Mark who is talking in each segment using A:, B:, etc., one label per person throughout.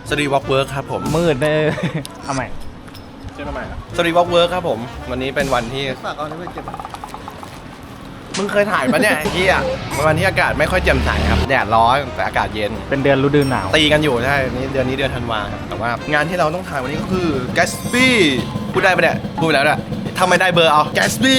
A: สตรีวอล์กเวิร์คครับผม
B: มืดเลยเอาใหม่
A: เชื่อทำไมสตรีวอล์กเวิร์คครับผมวันนี้เป็นวันที่
C: ฝากเอานี่ไปเก็บ
A: มึงเคยถ่ายปะเนี่ยเฮียวันที่อากาศไม่ค่อยแจ่มใสครับแดดร้อนแต่อากาศเย็น
B: เป็นเดือนฤดูหนาว
A: ตีกันอยู่ใช่นี่เดือนธันวาครับแต่ว่างานที่เราต้องถ่ายวันนี้ก็คือ Gatsby พูดได้ปะเนี่ยพูดไปแล้วเนี่ยทำไมได้เบอร์เอา Gatsby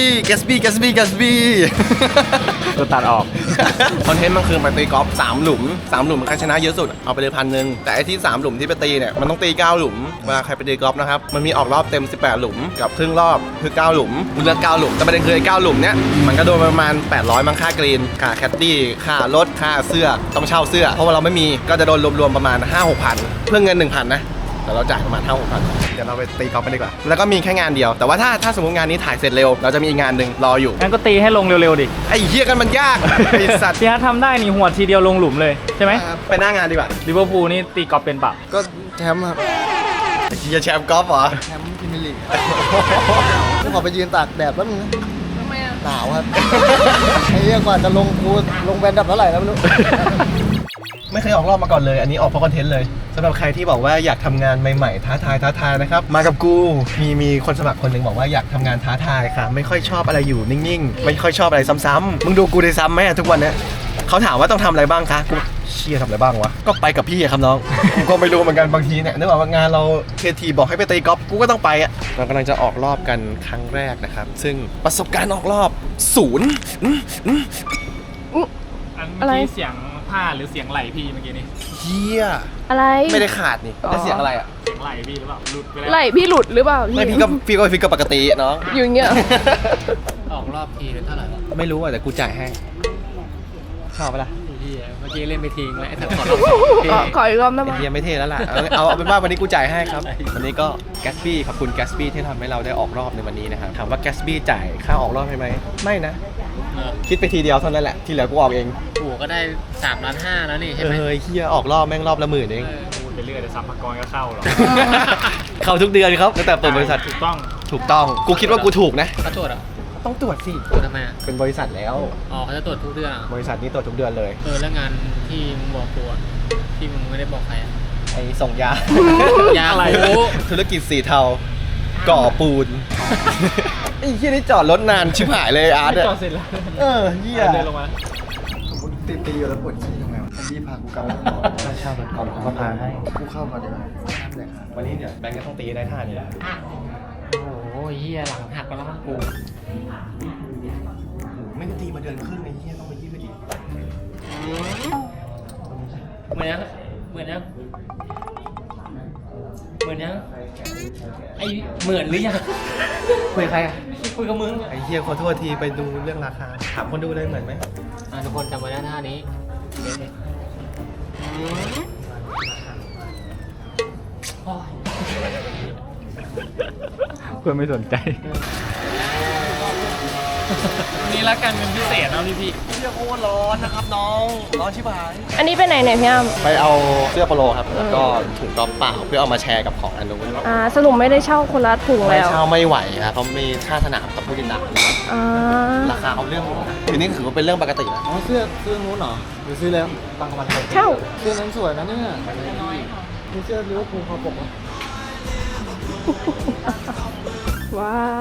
B: ตัวตัดออก
A: คอนเทนต์มันคือมาตีกอล์ฟ3 หลุม 3 หลุมใครชนะเยอะสุดเอาไปเลย1,000แต่ไอ้ที่3 หลุมที่ไปตีเนี่ยมันต้องตี9 หลุมเวลาใครไปตีกอล์ฟนะครับมันมีออกรอบเต็ม18 หลุมกับครึ่งรอบคือ9 หลุมมึงเลือก9 หลุมแต่ประเด็นคือไอ้9 หลุมเนี้ยมันก็โดนประมาณ800มั้งค่ากรีนค่าแคดดี้ค่ารถค่าเสื้อต้องเช่าเสื้อเพราะว่าเราไม่มีก็จะโดนรวมๆประมาณ 5-6 พันเพื่อเงิน 1,000 นะแต่เราจ่ายประมาณ5-6 พันเดี๋ยวเราไปตีกอล์ฟกันดีกว่าแล้วก็มีแค่งานเดียวแต่ว่าถ้าสมมติงานนี้ถ่ายเสร็จเร็วเราจะมีอีกงานหนึ่งรออยู่
B: งั้นก็ตีให้ลงเร็วๆดิ
A: ไอ้เหี้ยกันมันยากไอ้สัตว์
B: พี่ฮัททำได้นี่หัวดทีเดียวลงหลุมเลยใช่ไหม
A: ไปหน้างานดีกว่า
B: ลิเวอร์พูลนี่ตีกอล์ฟเป็นเปล่า
C: ก็แชมป์ครับ
A: ไอ้เหี้ยแชมป์กอล์ฟเหรอ
C: แชมป์พรีเมียร์ลีกกูขอไปยืนตากแดดแป๊บนึงนะทำไมอ่ะหนาวครับ ไอ้เหี้ยกว่าจะลงกูลงแบนดับเท่าไหร่แล้วไม่รู้
A: ไม่เคยออกรอบมาก่อนเลย อันนี้ออกเพราะคอนเทนต์เลยสำหรับใครที่บอกว่าอยากทำงานใหม่ๆท้าทายนะครับมากับกูมีคนสมัครคนหนึ่งบอกว่าอยากทำงานท้าทายค่ะไม่ค่อยชอบอะไรอยู่นิ่งๆไม่ค่อยชอบอะไรซ้ำๆมึงดูกูได้ซ้ำไหมทุกวันเนี้ยเขาถามว่าต้องทำอะไรบ้างคะกูเชี่ยทำอะไรบ้างวะก็ไปกับพี่อะครับน้อง กูก็ไม่รู้เหมือนกันบางทีเนี่ยนึกว่างานเราเคทีบอกให้ไปตีกอล์ฟกูก็ต้องไปอ่ะเรากำลังจะออกรอบกันครั้งแรกนะครับซึ่งประสบการณ์ออกรอบ0
B: อะไรเสียงผ้าหรือเสียงไหลพี่เมื่อกี้นี่
A: เฮีย
D: อะไร
A: ไม่ได้ขาดนี่แล้วเสียงอะไรอ่ะ
B: เสียงไหลพี่หรือเปล่าหลุดไปแล้ว
D: ไหลพี่หลุดหรือเปล่า
A: ไม่พี่ก็ปกติเนาะ
D: อยู่อย่างเงี้ย
E: ออกรอบทีเป็นเท่าไหร่วะ
A: ไม่รู้อ่ะแต่กูจ่ายให้ชอบปะล่ะ
E: ที่เมื่อกี้เล่นไปทิ้งแล้วไอ้สัตว์ขอรอบ
D: ขออีกรอบได้ไหม
A: ไอ้เฮียไม่เท่แล้วล่ะเอาเป็นว่าวันนี้กูจ่ายให้ครับวันนี้ก็ Gatsby ขอบคุณ Gatsby ที่ทำให้เราได้ออกรอบในวันนี้นะครับถามว่า Gatsby จ่ายค่าออกรอบให้ไหมไม่นะคิดไปทีเดียวเท่านั้นแหละที่เหลือกูออกเอง
E: โอ้โหก็ได้3.5 ล้านแล้วนี่ใช่ไหม
A: เฮียออกรอบแม่งรอบละ10,000เอง
B: พูดไปเรื่อยแต่สัมภาระก็เข้าหรอ
A: เข้าทุกเดือนครับตั้งแต่เปิดบริษัท
B: ถูกต้อง
A: ถูกต้องกูคิดว่ากูถูกนะ
E: เขาตรวจอ่ะ
A: ต้องตรวจสิ
E: ตรวจทำไมอ่ะ
A: เป็นบริษัทแล้ว
E: อ๋อเขาจะตรวจทุกเดือนอ่ะ
A: บริษัทนี้ตรวจทุกเดือนเลย
E: แล้วงานที่มึงบอกกูอ่ะที่มึงไม่ได้บอกใครอ่ะ
A: ไอ้ส่งยา
E: ยา
B: อะไร
E: คู
A: ธุรกิจสีเทาก่อปูนไอ้เหี้ยนี่จอดรถนานชิบหายเลยอาร์ต
B: จอ
A: อะ
B: ดเสร็จแล้ว
A: เหี้ย
B: เดินลงมา
C: ตีอยู่แล้วปวดขี้ทำไงวะพี่พากูกลับ
A: ค่าเช่ารถก่อนเขาก็พาให้
C: กูเข้าก่อนดีกว่าน้ำเลยครับ
A: วันนี้เนี่ยแบงค์ก็ต้องตีได้ท่านี้แหละ
E: โอ้โหเฮียหลังหักไปแล้วมั้งกู
A: ไม่ได้ตีมาเดือนครึ่งไอ้เหี้ยต้องไปยืดอีก
E: เหมือนยังเหมือนยังเหมือนยังไอเหมือนหรือยัง
A: คุยใครอะ
E: คุยกับมึง
A: ไอ้เหี้ยขอโทษทีไปดูเรื่องราคาถามคนดูเลยเหมือนไหม
E: ทุกคนจำไว้นะท่านี้โอ้ย
B: เพื่อนไม่สนใจ วันนี้รักกันเป็นพิเศษนะพี่
A: เหี้ยโคตรร้อนนะครับน้องร้อนชิบหาย
D: อันนี้ไปไหนเนี่ยพี่อ้ำ
A: ไปเอาเสื้อโปโลครับแล้วก็ถุงกอล์ฟเปล่าเพื่อเอามาแชร์กับของอันนู้น
D: สรุปไม่ได้เช่าคนละถุง
A: ไม่
D: แล้ว
A: เช่าไม่ไหวครับเพราะมีค่าสนามกับผู้ติดตาม
D: อ่า
A: ราคาเอาเรื่องอยู่นะทีนี้ถือว่าเป็นเรื่องปกติแล้ว
C: อ๋อเสื้อนู้นเหรอหรือซื้อแล้ว
A: บางกำลัง
D: เช่า
C: เสื้อนั้นสวยนะเนี่ยมีเสื้อลิเวอร์พูลคอปกอ่ะ
D: ว้าว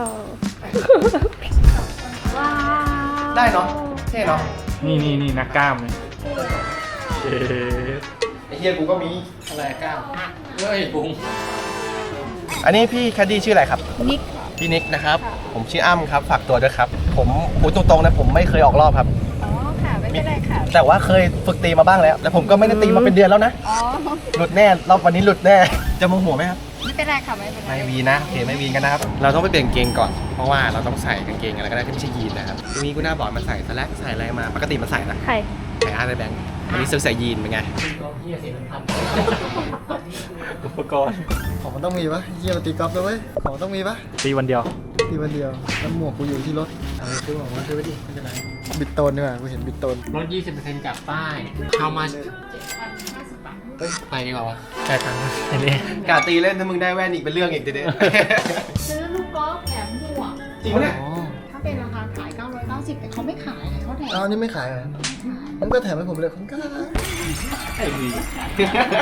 D: ว้าว
A: ได้เนาะเท่เนาะ
B: นี่นักกล้ามเลยเอ๊ะ
A: ไอ้เฮียกูก็มี
E: อะไรก้าวเฮ้ยปุ้ง
A: อันนี้พี่แคดดี้ชื่ออะไรครับ
D: นิก
A: พี่นิกนะครับผมชื่ออ้ำครับฝากตัวด้วยครับผมพูดตรงๆนะผมไม่เคยออกรอบครับ
D: อ๋อค่ะไม่เป็นไรค่ะ
A: แต่ว่าเคยฝึกตีมาบ้างแล้วแต่ผมก็ไม่ได้ตีมาเป็นเดือนแล้วนะ
D: อ๋อ
A: หลุดแน่รอบวันนี้หลุดแน่จะโมโหไหมครับ
D: ไม่เป็นไรค่ะไม่เป็นไร
A: ไม่วีนะโอเคไม่วีกันนะครับเราต้องไปเปลี่ยนกางเกงก่อนเพราะว่าเราต้องใส่กางเกงอะไรก็ได้ที่ไม่ใช่ยีนนะครับทีนี้กูน่าบอกมันใส่สแลกใส่อะไรมาปกติมันใส่นะ
D: ใคร
A: ใส่อาร์ตแบงค์วันนี้ซื้อใส่ยีนเป็นไง
E: เฮียเสียงพัน
B: อุปกรณ์
C: ของมันต้องมีปะเยี่ยมตีกอล์ฟด้วยเว้ยของมันต้องมีปะ
B: ตีวันเดียว
C: ตีวันเดียวแล้วหมวกกูอยู่ที่รถซื้อของมาซื้อไปดิไม่เป็นไรบิดโตนดีกว่ากูเห็นบิดโตน
E: ลด 20% จากป้าย How much ไปดีกว่าวะ
B: จ่ายตังค์อันนี้
A: กาตีเล่นถ้ามึงได้แว่นอีกเป็นเรื่องอีกทีเดียว
F: ซื้อลูกกอล์ฟแถมหมวก
A: จริงปะเนี่ย
C: อ๋อ
F: ถ้าเป็นราคาขาย 990 แต่เขาไม่ขายเขาแถม
C: เอาอันนี้ไม่ขายเหรอมันก็แถมให้ผมเลยคุณก็
A: ไอ้วี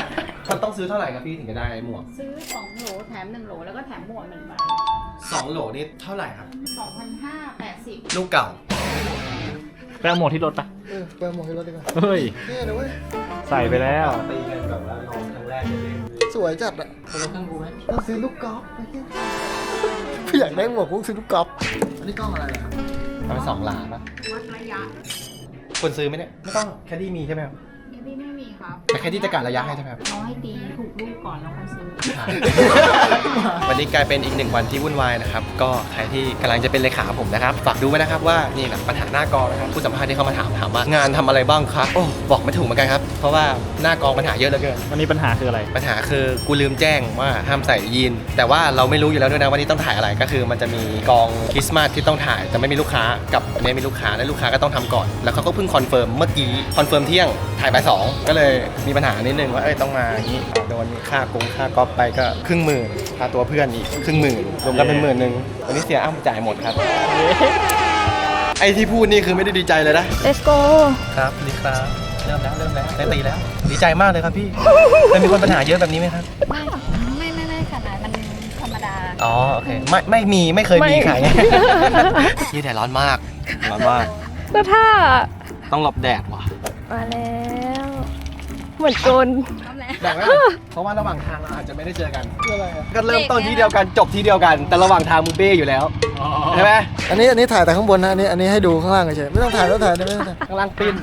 A: มันต้องซื้อเท่าไหร่ครับพี่ถึงจะได้หมวก
F: ซื้อ2โหลแถม1โหลแล้วก็แถมหมวก1ใบ
A: 2 โหลนี่เท่าไหร่ครับ
F: 2,580
A: ลูกเก่า
B: ไปเอาหมวกที่รถปะ
C: ไปหมวกให้รถดีกว่า
B: เฮ้ย
C: เนี่ยนะเว้ย
B: ใส่ไปแล้ว
A: ตีกันแบบว่าลองครั้งแรกเลย
C: สวยจัดอะ
E: คนละเครื่องกูไหม
C: ต้องซื้อลูกกอล์ฟไอ้เหี้ยพี่อยากได้หมวกกูซื้อลูกกอล์ฟอันนี้กล้องอะไรอะครับ
A: เอาไป2 หลาปะ
F: วัดระยะ
A: คนซื้อไหมเนี่ยไม่ต้องแคดดี้มีใช่ไหมครับ
F: แค่ที่ไม่มีครับ
A: แต่แคดดี้จะกะระยะให้ใช่ไหมครับ
F: เขาให้ตีถูกลูกก่อนแล้วค่อยซื้อ
A: วันนี้กลายเป็นอีก1 วันที่วุ่นวายนะครับ ก็ใครที่กำลังจะเป็นเลขาผมนะครับ ฝากดูไว้นะครับว่านี่แหละปัญหาหน้ากองนะครับ ผู้สัมภาษณ์ที่เข้ามาถามว่างานทำอะไรบ้างครับโอ้บอกไม่ถูกเหมือนกันครับ เพราะว่าหน้ากองปัญหาเยอะเหลือเกิน
B: วันนี้ปัญหาคืออะไร
A: ปัญหาคือกูลืมแจ้งว่าห้ามใส่ยีนแต่ว่าเราไม่รู้อยู่แล้วด้วยนะว่านี่ต้องถ่ายอะไรก็คือมันจะมีกองคริสต์มาสที่ต้องถ่ายแต่ไม่มีลูกค้ากับอันนี้มีลูกค้าและลูกค้าก็ต้องทำก่อน แล้วเขาก็เพิ่งคอนเฟิร์มเมื่อกี้คอนเฟิร์มเที่ยงถ่ายบ่ายสองก็เลยมีปัญหานิดนึงว่าต้องมาอย่างนี้โดนค่าก๊อปไปก็50,000ค่าตัวเพื่อนอีก50,000รวมกันเป็น10,000วันนี้เสียอ้ำจ่ายหมดครับไอที่พูดนี่คือไม่ได้ดีใจเลยนะ
D: let's go
A: ครับดีครับเริ่มแล้วได้ตีแล้วดีใจมากเลยครับพี่เคยมีคนปัญหาเยอะแบบนี้ไหมครับ
D: ไม่ขนาดมันธรรมดา
A: อ๋อโอเคไม่เคยมีขาย ยี่แดดร้อนมาก
D: แล้วถ้า
A: ต้องหลบแดดว่ะ
D: มาแล้ว เหมือนโจร
A: แดดไหมเพราะว่าระหว่างทางเราอาจจะไม่ได้เจอกันก็เริ่มต้นที่เดียวกันจบที่เดียวกัน แต่ระหว่างทางมึงเบ้อยู่แล้วใช่ไหม
C: อันนี้ถ่ายแต่ข้างบนนะอันนี้ให้ดูข้างล่างเฉยๆไม่ต้องถ่ายไม่ต้องถ่ายไม่ต้องถ่าย
A: ข้างล่างปิ้น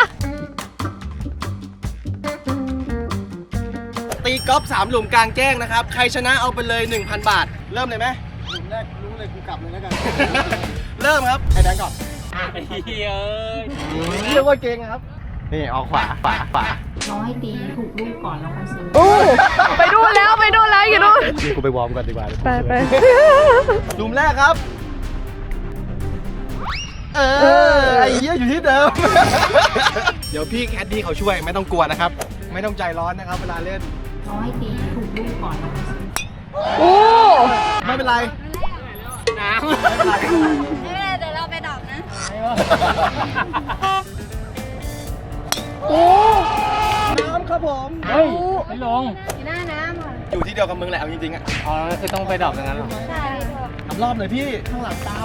A: ตีกอล์ฟ3 หลุมกลางแจ้งนะครับใครชนะเอาไปเลย 1,000 บาท เริ่มเลยไหม
C: หลุมแรกรู้เลยกูกลับเลยแล้วกัน
A: เริ่มครับไอ้แดงก่อน
B: ไอ้เหี้ย
A: เรียกว่าเก่งครับนี่ออกขวา
F: เขาให้ตีถูกลูกก่อนแล้วค่อยซื้อ
D: โอ้ไปดูแล้วอยู่ดูน
A: นี่กูไปวอร์มก่อนดีกว่า
D: ไป
A: หลุมแรกครับ ไอ้เหี้ยอยู่ที่เดิม เดี๋ยวพี่แคดดี้เขาช่วยไม่ต้องกลัวนะครับ ไม่ต้องใจร้อนนะครับเวลาเล่น
F: เขาให้ตีถูกลูกก่อนแล้วค่อยซื้อ
D: โอ้
A: ไม่เป็นไร
D: เดี๋ยวเราไปดอกนะ โอ้
A: น้ำครับผม
B: เฮ้ย ไม่ลง
D: หน้าน้ำอ่ะ
A: อยู่ที่เดียวกับมึงแหละเอาจริงๆอ่ะ
B: อ๋อคือต้องไปดอกอย่างนั้นเหรอ
D: ใช่
A: ทำรอบเลยพี่ข้างหลังตาม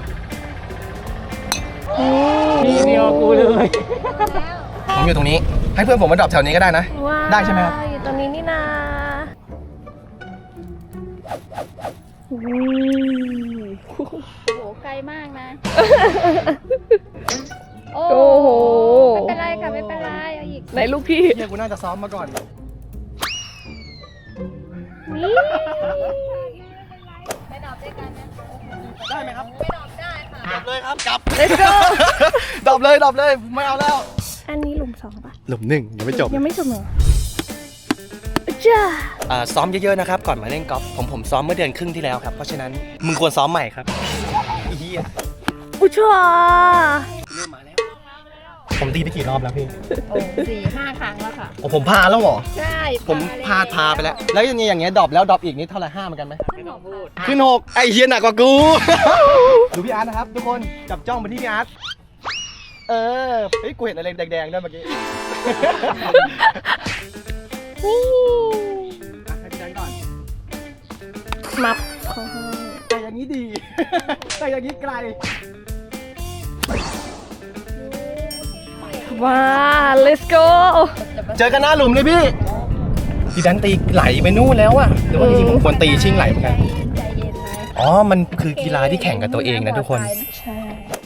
B: นี่เดียวกูเลย
A: ผมอยู่ตรงนี้ ให้เพื่อนผมมาดรอปแถวนี้ก็ได้นะ
D: ว้าว
A: ได้ใช่ไหมครับ
D: อยู่ตรงนี้นี่นาโอ้โหไกลมากนะ โอ้โห ไม่เป็นไรค่ะ ไม่เป็นไร เอาอีกไหนลูกพี่
A: เฮียกูน่าจะซ้อมมาก่อน
D: นี่
A: ได้ไหมครับ
D: ไปดอกได้ค่ะ
A: ดรอปเลยครับกลับ
D: Let's go
A: ดรอปเลยไม่เอาแล้ว
D: อันนี้หลุมสองป่ะ
A: หลุม1ยังไม่จบ
D: ยังไม่จบเหรอจ้า
A: ซ้อมเยอะๆนะครับก่อนมาเล่นกอล์ฟผมซ้อมเมื่อเดือนครึ่งที่แล้วครับเพราะฉะนั้นมึงควรซ้อมใหม่ครับเฮีย
D: อุชา
A: เริ่มมาแล้วผมตีไปกี่รอบแล้วพี่
F: โอ้4-5 ครั้งแล้วค่ะ
A: โอ้ผมพาแล้วเหรอ
F: ใช่
A: ผมพาไปแล้ว แล้วอย่างเงี้ยดรอปแล้วดรอปอีกนี่เท่าไหร่5เหมือนกันไหมขึ้น6ไอเฮียหนักกว่ากู ดูพี่อาร์ตนะครับทุกคนจับจ้องไปที่พี่อาร์ตเฮ้ยกูเห็นอะไรแดงๆด้วยเมื่อกี้ให้พี่แดงก่อน
D: มับเขาให้
A: แต่อย่างนี้ดี แต่อย่างนี้ไกล
D: ว้า let's go
A: เจอกันหน้าหลุมเลยพี่พี่ดันตีไหลไปนู่นแล้วอะหรือว่าจริงๆผมควรตีชิ่งไหลเหมือนกัน
D: ใจเย็นไหม
A: อ๋อ มันคือกีฬาที่แข่งกับตัวเองนะทุกคน
D: ใช่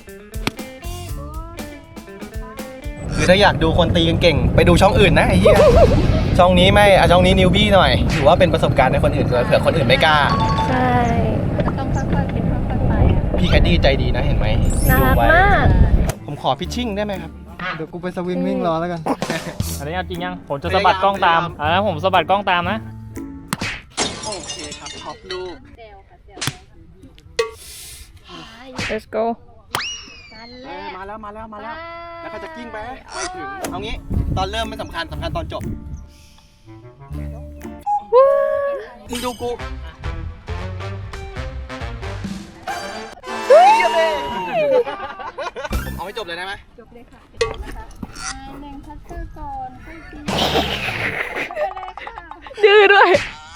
A: คือถ้าอยากดูคนตีเก่งๆไปดูช่องอื่นนะไอ้เหี้ย ช่องนี้ไม่ช่องนี้นิวบี้หน่อย ถือว่าเป็นประสบการณ์ในคนอื่นด้วยเผื่อคนอื่นไม่กล้า
D: ใช่ต้องค่อยๆเป็นค่อยๆไปอะ
A: พี่แคดดี้ใจดีนะเห็นไหม
D: น่ารัก
A: ดูไว้
D: มาก
A: ผมขอพิชชิ่งได้ไหมครับ
C: เดี๋ยวกูไปสวิงวิ่งรอแล้วกัน
B: อันนี้เอาจริงยัง ผมจะสะบัดกล้องตามผมสะบัดกล้องตามนะ
A: โอเคครับท็อปลูก
D: let's go
A: มาแล้ว แล้วก็จะกิ้งไปไปถึง เอางี้ ตอนเริ่มไม่สำคัญตอนจบ มึงดูกูผมเอาให้จบเลยได้ไหม
D: จบเลยค่ะแดงพัชเตอร์ก่อนค่อยกินไปเลยค่ะดื้อด้วย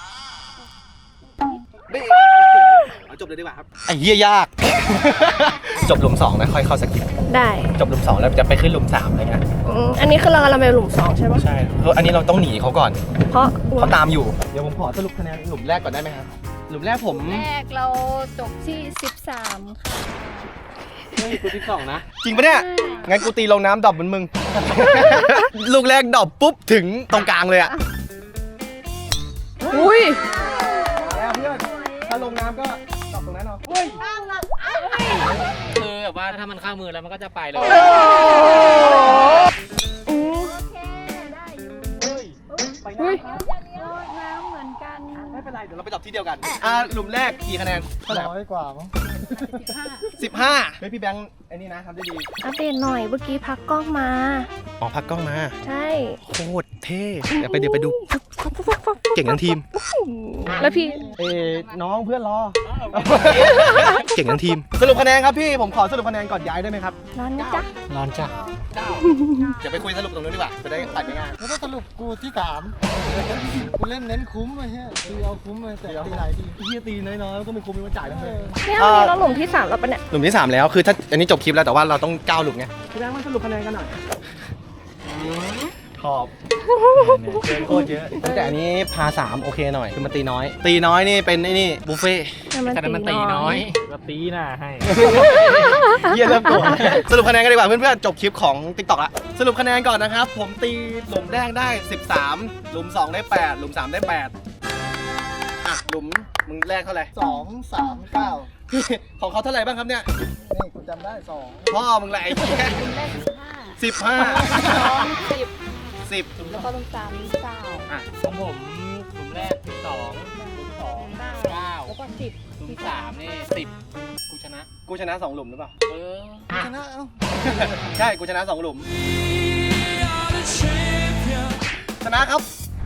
A: เอาจบเลยดีกว่าครับไอ้เหี้ยยาก จบหลุม2นะค่อยเข้าสกิป
D: ได้
A: จบหลุม2แล้วจะไปขึ้นหลุม3อะไรเงี้ย
D: อันนี้คือเรากำลังไปหลุม2ใช่ปะ
A: ใช่เพราะอันนี้เราต้องหนีเขาก่อน
D: เพราะ
A: เขาตามอยู่เดี๋ยวผมขอสรุปคะแนนหลุมแรกก่อนได้ไหมครับหลุมแรกผม
D: แรกเราจบที่ 13 ค่ะ
E: กูที่2นะ
A: จริงปะเนี่ยงั้นกูตีลงน้ำดรอปเหมือนมึง ลูกแรกดรอปปุ๊บถึงตรงกลางเลยอะ
D: อุ้ย
A: แล้วเพื่อนถ้าลงน้ำก็ดรอปตรงนั้นเอา
E: คือแบบว่าถ้ามันเข้ามือแล้วมันก็จะไปเลย
D: อืม
A: ไป
D: อุ้ย
F: น้ำเหมือนกัน
A: ไม่เป็นไรเดี๋ยวเราไปดรอปที่เดียวกันหลุมแรกกี่คะแนนเท่าไหร่
C: 100 กว่ามั้ง
A: 15เฮ้ยพี่แบงค์ไอ้นี่นะทำได้ดี
D: อัปเดตหน่อยเมื่อกี้พักกล้องมา
A: อ๋อพักกล้องมา
D: ใช่
A: โคตรเท่เดี๋ยวไปดูเก่งทั้งทีม
D: แล้วพี่
A: น้องเพื่อนรอ เก่งทั้งทีม สรุปคะแนนครับพี่ ผมขอสรุปคะแนนก่อนย้ายได้ไหมครับ
D: ร้อนนะจ๊ะ
E: ร้อนจ้ะ
A: เดี๋ยวไปคุยสรุปตรงนู้นดีกว่า จะได้ตัดง่าย
C: แล้วก็สรุปกูที่3กูเล่นเน้นคุ้มไอ้เหี้ยตีเอาคุ้มเลยแต่ตีหลายที
A: ๆพี่ตีน้อยๆก็ไม่คุ้มไม่มาจ่ายทั้งเลย
D: เนี่ยวันนี้เราหลุมที่ 3 แล้วปะเนี่ย
A: หลุมที่ 3 แล้วคือถ้าอันนี้จบคลิปแล้วแต่ว่าเราต้อง9หลุมไงพี่แบงค์มาสรุปคะแนนกันหน่อยขอบเกินโคตรเยอะแต่อันนี้พา3โอเคหน่อยคือมันตีน้อย ตีน้อยนี่เป็นไอ้นี่บุฟเฟ่
E: แต่นั้นมันตีน้อยก็ตีหน้าให้
A: เยี่ยเริ่มโกรธสรุปคะแนนกันดีกว่าเพื่อนๆจบคลิปของ TikTok ละสรุปคะแนนก่อนนะครับผมตีหลุมแรกได้13หลุม2ได้8หลุม3ได้8อ่ะหลุมมึงแรกเท่าไหร่
C: 2 3 9
A: ของเขาเท่าไหร่บ้างครับเนี่ย
C: นี่กูจำได้ 2
A: พ่อมึงแหละไอ้เหี้ย10
F: แล้วก็ลงตาม9
A: อ่ะ
E: ของผมหลุมแรก12หลุม2 9
F: แล้วก็10
E: หลุม3นี่10กูชนะ
A: กูชนะ2หลุมหรือเปล่า
E: เออ
C: ชนะเอ้า
A: ใช่กูชนะ2หลุมชนะครับ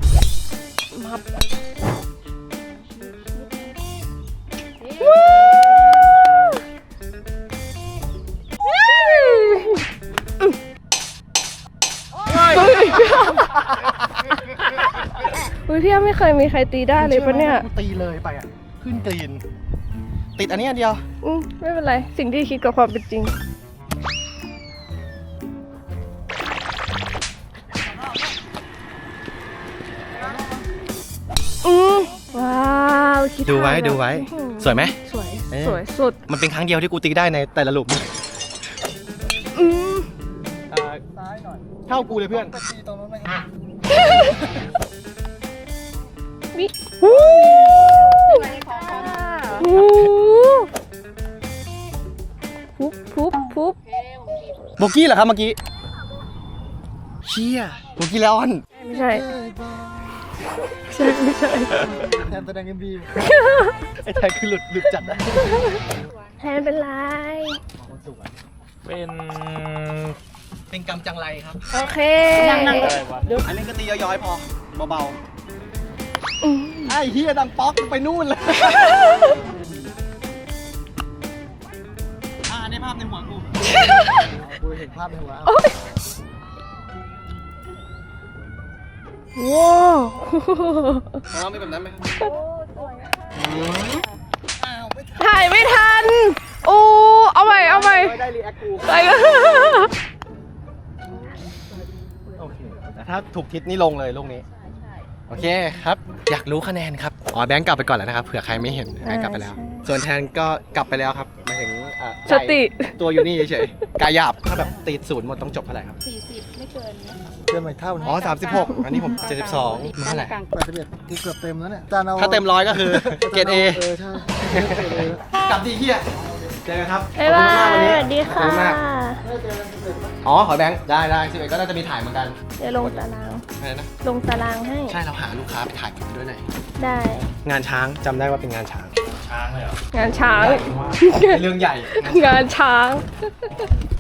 D: อุ้ยพี่ไม่เคยมีใครตีได้เลยปะเนี่ย
A: กูตีเลยไปอ่ะขึ้นกรีนติดอันนี้อันเดียว
D: ไม่เป็นไร สิ่งที่คิดกับความเป็นจริง ว้าวคิ
A: ดูไว้
D: ทัน
A: ดูไว้
D: อื้อหือ
A: สวยไหม
D: สวย
A: เอ๊ะ
D: สวยสุด
A: มันเป็นครั้งเดียวที่กูตีได้ในแต่ละหลุม
D: อืม
C: ซ้ายหน่อย
A: เท่ากูเลยเพื่อน
C: ไปตีตรงนู้นไหมครับ
D: มิฮู้ฮู้พุบพุบพุบ
A: โบกี้เหรอครับเมื่อกี้เชี่ยโบกี้แล้วออน
D: ไม่ใช่ไม่ใช่
C: แทนแสดง MV
A: ไอ้แทนคือหลุดจัดนะ
D: แทนเป็นไร
E: เป็น
A: กรรมจังไรครับ
D: โอเค
A: อันนี้ก็ตีย้อยๆพอเบาๆไอ้เฮียดังป๊อกไปนู่นเลยในภาพในหัวกู
C: กูเห็นภาพในหัว
D: ว้าว
A: ของเรามีแบบนั้นไหม
D: ถ่ายไม่ทัน โอ้ เอาใหม่ เอาใหม่
A: ได้รีแอคกู
D: ไปกัน
A: โอเคแต่ถ้าถูกทิศนี่ลงเลยลูกนี้โอเคครับ อยากรู้คะแนนครับอ๋อแบงค์กลับไปก่อนแล้วนะครับเผื่อใครไม่เห็นแบงค์กลับไปแล้ว ส่วนแทนก็กลับไปแล้วครับหมายถึง
D: สติ
A: ตัวอยู่นี่เฉยๆกายหยาบถ้าแบบตีศูนย์หมดต้องจบเท่าไหร่ครับ
F: 40 ไม่เกิน
C: เกินไปเท่านึง
A: อ๋อ36อันนี้ผม72มึงเท่าไหร่
C: 81กูเกือบเต็มแล้วเนี่ยจานเอา
A: ถ้าเต็ม100ก็คือเกรด A
C: ใช่เกรด A
A: กลับดีเฮียเจอกันครับ
D: บ๊ายบาย
A: ขอบคุณมากวันนี้
D: สวัสดี
A: ขอบ
D: ค่ะ
A: ณมากอ๋อขอแบงค์ได้11ก็น่าจะมีถ่ายเหมือนกัน
D: เดี๋ยวลงตาราง
A: อะไรนะ
D: ลงตารางให้
A: ใช่เราหาลูกค้าไปถ่ายคลิปด้วยหน่อย
D: ได้
A: งานช้างจำได้ว่าเป็นงานช้าง
D: งานช้าง
A: เรื่องใหญ่
D: งานช้าง